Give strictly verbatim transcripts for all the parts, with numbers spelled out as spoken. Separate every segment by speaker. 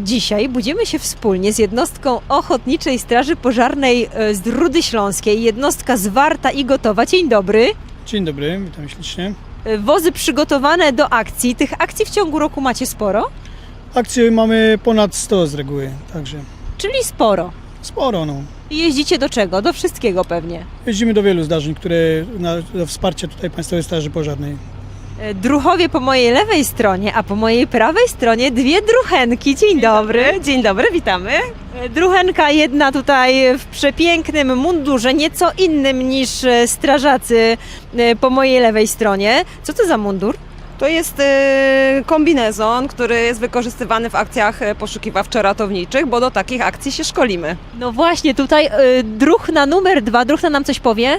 Speaker 1: Dzisiaj budzimy się wspólnie z jednostką Ochotniczej Straży Pożarnej z Rudy Śląskiej. Jednostka zwarta i gotowa. Dzień dobry.
Speaker 2: Dzień dobry, witam ślicznie.
Speaker 1: Wozy przygotowane do akcji. Tych akcji w ciągu roku macie sporo?
Speaker 2: Akcji mamy ponad sto z reguły, także
Speaker 1: Czyli sporo.
Speaker 2: sporo. No.
Speaker 1: I jeździcie do czego? Do wszystkiego pewnie.
Speaker 2: Jeździmy do wielu zdarzeń, które na, do wsparcia tutaj Państwowej Straży Pożarnej.
Speaker 1: Druhowie po mojej lewej stronie, a po mojej prawej stronie dwie druchenki. Dzień dobry.
Speaker 3: Dzień dobry, witamy.
Speaker 1: Druchenka jedna tutaj w przepięknym mundurze, nieco innym niż strażacy po mojej lewej stronie. Co to za mundur?
Speaker 3: To jest e, kombinezon, który jest wykorzystywany w akcjach e, poszukiwawczo-ratowniczych, bo do takich akcji się szkolimy.
Speaker 1: No właśnie, tutaj y, druchna numer dwa. Druchna nam coś powie?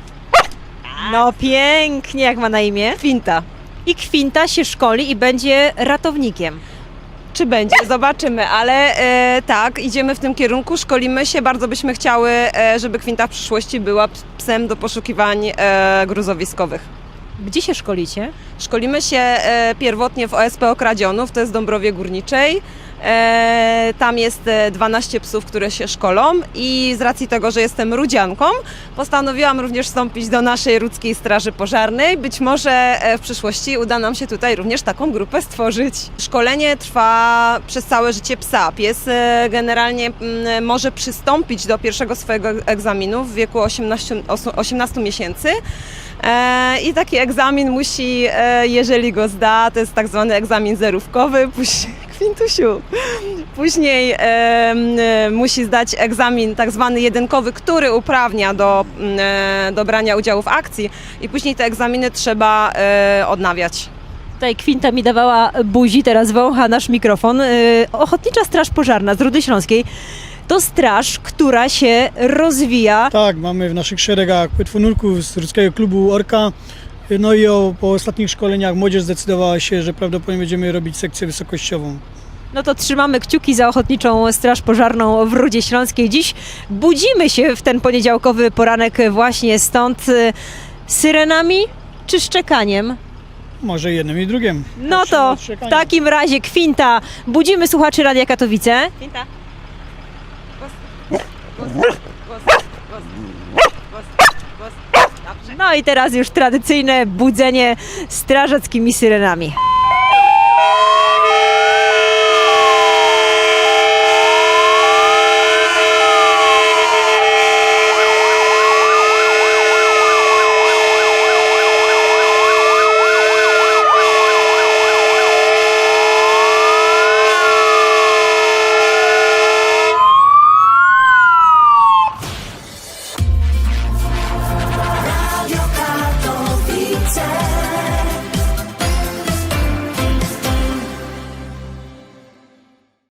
Speaker 1: No pięknie, jak ma na imię?
Speaker 3: Kwinta.
Speaker 1: I Kwinta się szkoli i będzie ratownikiem.
Speaker 3: Czy będzie? Zobaczymy, ale e, tak, idziemy w tym kierunku, szkolimy się. Bardzo byśmy chciały, e, żeby Kwinta w przyszłości była psem do poszukiwań e, gruzowiskowych.
Speaker 1: Gdzie się szkolicie?
Speaker 3: Szkolimy się e, pierwotnie w O S P Okradzionów, to jest w Dąbrowie Górniczej. E, tam jest e, dwanaście psów, które się szkolą i z racji tego, że jestem rudzianką, postanowiłam również wstąpić do naszej Rudzkiej Straży Pożarnej. Być może e, w przyszłości uda nam się tutaj również taką grupę stworzyć. Szkolenie trwa przez całe życie psa. Pies e, generalnie m, może przystąpić do pierwszego swojego egzaminu w wieku osiemnastu miesięcy. E, I taki egzamin musi, e, jeżeli go zda, to jest tak zwany egzamin zerówkowy, później, Kwintusiu, później e, e, musi zdać egzamin tak zwany jedynkowy, który uprawnia do, e, do brania udziału w akcji i później te egzaminy trzeba e, odnawiać.
Speaker 1: Tutaj Kwinta mi dawała buzi, teraz wącha nasz mikrofon. Y, Ochotnicza Straż Pożarna z Rudy Śląskiej to straż, która się rozwija.
Speaker 2: Tak, mamy w naszych szeregach płetwonurków z Rudzkiego Klubu Orka. No i o, po ostatnich szkoleniach młodzież zdecydowała się, że prawdopodobnie będziemy robić sekcję wysokościową.
Speaker 1: No to trzymamy kciuki za Ochotniczą Straż Pożarną w Rudzie Śląskiej. Dziś budzimy się w ten poniedziałkowy poranek właśnie stąd y, syrenami czy szczekaniem?
Speaker 2: Może jednym i drugim.
Speaker 1: No
Speaker 2: Patrzymy
Speaker 1: to
Speaker 2: od
Speaker 1: w
Speaker 2: szczekania.
Speaker 1: takim razie Kwinta, budzimy słuchaczy Radia Katowice.
Speaker 3: Kwinta. Głos, głos, głos, głos, głos, głos, głos. Dobrze.
Speaker 1: No i teraz już tradycyjne budzenie strażackimi syrenami.